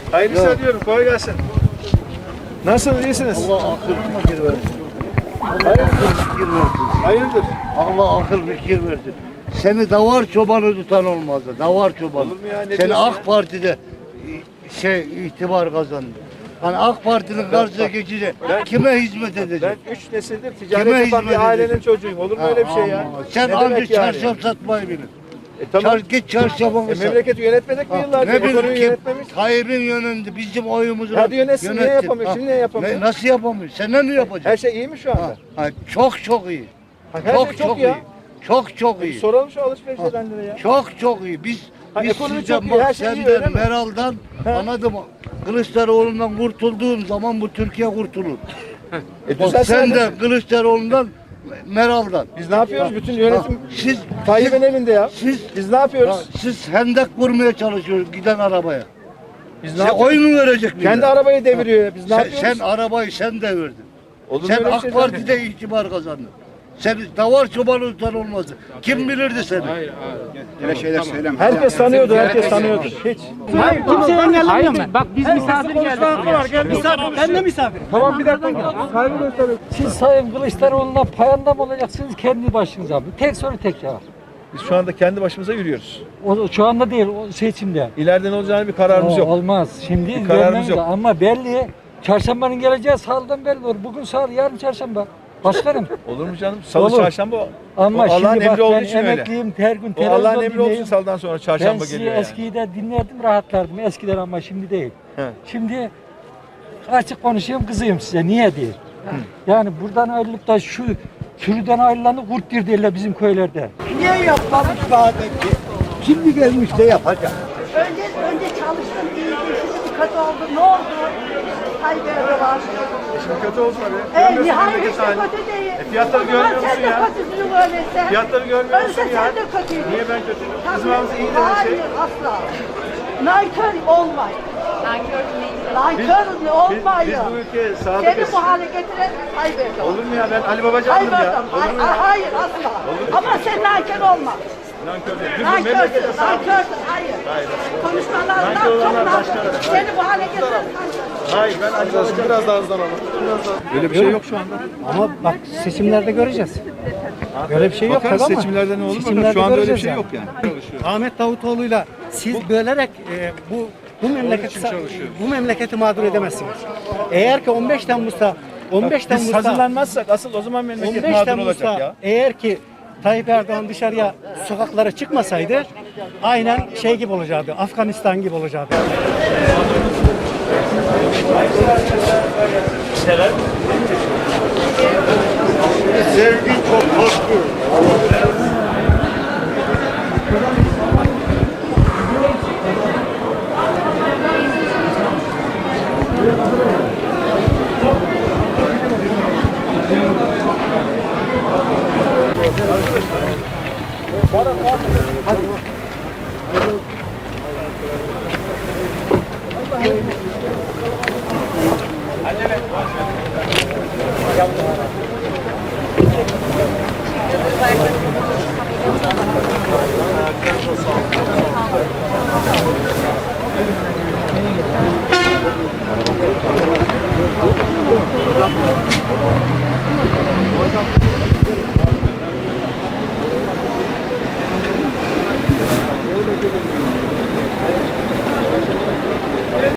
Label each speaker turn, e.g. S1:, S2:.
S1: Hayırlı işler diyorum. Kolay gelsin. Nasılsınız? İyisiniz?
S2: Allah akıl fikir versin.
S1: Hayırdır?
S2: Allah akıl fikir versin. Seni davar çobanı tutan olmazdı. Davar çobanı.
S1: Olur mu ya? Ne
S2: Seni
S1: diyorsun
S2: AK
S1: ya?
S2: Parti'de itibar kazandı. Hani AK Parti'nin karşısına geçince kime hizmet edecek?
S1: Ben 3 nesildir
S2: Kime
S1: ticaret yapan
S2: hizmet
S1: bir ailenin
S2: edecek?
S1: çocuğuyum. Olur mu öyle bir şey ya?
S2: Aman. Sen
S1: Ne
S2: anca
S1: demek yani?
S2: çarşaf satmayı bilin.
S1: Tamam.
S2: Git çarşafını sat.
S1: Memleketi yönetmedik mi yıllarca?
S2: Ne
S1: Ekonomiyi
S2: bileyim kim?
S1: yönetmemiş.
S2: Tayyip'in yönünde bizim oyumuzu
S1: Hadi yönetsin, niye yapamıyor? Şimdi niye yapamıyor?
S2: Nasıl yapamıyor? Sen ne yapacak?
S1: Her şey iyi mi şu anda?
S2: Çok iyi.
S1: Her şey çok iyi ya.
S2: Çok iyi.
S1: Soralım şu alışveriş edenlere ya.
S2: Çok iyi. Biz
S1: ekonomi
S2: sizden
S1: çok iyi, her şey iyi, öyle
S2: senden,
S1: mi?
S2: Meral'dan, anladım. Kılıçdaroğlu'ndan kurtulduğum zaman bu Türkiye kurtulur. Bak
S1: Düzelsin
S2: sen de
S1: hadi.
S2: Kılıçdaroğlu'ndan, Meral'dan.
S1: Biz ne yapıyoruz? Bütün yönetim
S2: Siz
S1: Tayyip'in elinde ya. Biz ne yapıyoruz?
S2: siz hendek vurmaya çalışıyorsunuz giden arabaya.
S1: Biz ne
S2: Sen
S1: yapıyoruz?
S2: oy mu verecek millet?
S1: Kendi arabayı deviriyor ya. Biz ne
S2: sen,
S1: yapıyoruz?
S2: sen arabayı sen devirdin.
S1: Olur mu
S2: Sen
S1: öyle
S2: AK
S1: şey
S2: Parti'de itibar kazandın. Sen davar çobanı tutan olmazdı. Kim bilirdi seni?
S3: Öyle şeyler söyleme.
S1: Herkes tanıyordu, herkes tanıyordu. Hiç.
S4: Hayır, kimse engellemiyor ben. Bak biz misafir geldik buraya.
S5: Misafir, ben de misafir.
S1: Tamam bir dakika. Saygı gösteriyorum.
S5: Siz Sayın Kılıçdaroğlu'na payanda mı olacaksınız kendi başınıza mı? Tek soru tek cevap.
S1: Biz şu anda kendi başımıza yürüyoruz.
S5: O, şu anda değil, o seçimde.
S1: İleride ne olacağını bir kararımız
S5: O,
S1: yok.
S5: olmaz. Şimdi
S1: Bir kararımız
S5: vermemiz
S1: yok.
S5: lazım. Ama belli. Çarşambanın geleceği salıdan belli olur. Bugün salı, yarın çarşamba. Başkanım.
S1: Olur mu canım? Salı
S5: Olur.
S1: çarşamba o.
S5: Ama
S1: O Allah'ın
S5: şimdi bak
S1: emri olduğu
S5: ben
S1: için öyle.
S5: emekliyim, her gün
S1: O
S5: televizyon
S1: Allah'ın emri olduğu için
S5: dinleyeyim.
S1: salıdan sonra
S5: Ben
S1: çarşamba
S5: sizi
S1: geliyor yani.
S5: eskiyi de dinlerdim, rahatlardım. Eskiden ama şimdi değil.
S1: He.
S5: Şimdi açık konuşayım, kızıyım size. Niye değil? Yani buradan ayrılıp da şu sürüden ayrılanı kurt dir derler bizim köylerde.
S2: Niye yapmamış daha önce? Şimdi gelmiş de yapacak.
S6: Önce çalıştım iyiydi, şimdi kötü oldu. Ne oldu? Tayyip Erdoğan.
S1: Şimdi kötü olsun abi.
S6: Hayır
S1: Görmüyorsun
S6: hiç
S1: memleket
S6: de
S1: halini.
S6: kötü değil.
S1: Fiyatları görmüyor musun
S6: Sen de
S1: ya?
S6: kötüsün öyleyse.
S1: Fiyatları görmüyor musun
S6: Öyleyse
S1: ya?
S6: sen de kötüydün.
S1: Niye ben kötüyüm?
S6: Tabii.
S1: Bizim ağzımız iyi denen şey.
S6: Hayır asla. Nankör olmayın. Nankör olmayın.
S1: Biz bu ülkeye
S6: Seni
S1: sadıkız.
S6: bu hale getiren Tayyip Erdoğan.
S1: Olur mu ya? Ben Ali Babacan'dım
S6: Tayyip
S1: ya.
S6: Erdoğan.
S1: Olur mu ya?
S6: Hayır asla. Ama sen nankör olma.
S1: Nankör değil. Biz bu memlekete
S6: Nankörsün,
S1: sadıkız.
S6: nankörsün. Hayır. Konuşmalarından
S1: Nankör
S6: çok
S1: olanlar
S6: nankör.
S1: başkaları.
S6: Seni bu hale getiren nankör.
S1: Hayır ben Ali Babacan. Biraz daha hızlanalım. Öyle bir şey yok şu anda.
S4: Ama bak seçimlerde göreceğiz. Böyle bir şey yok
S1: Bakarız
S4: tabii ama
S1: seçimlerde ne olur bakalım.
S4: seçimlerde
S1: Şu anda öyle bir
S4: göreceğiz
S1: şey
S4: yani.
S1: yok yani.
S4: Ahmet Davutoğlu'yla siz bölerek bu memleketi mağdur edemezsiniz. Eğer ki 15 Temmuz'da
S1: Biz hazırlanmazsak asıl o zaman memleket
S4: 15
S1: mağdur olacak
S4: Temmuz'da
S1: ya.
S4: eğer ki Tayyip Erdoğan dışarıya sokaklara çıkmasaydı aynen şey gibi olacaktı. Afganistan gibi olacaktı.
S2: Sevgi çok haklı.
S1: Hadi.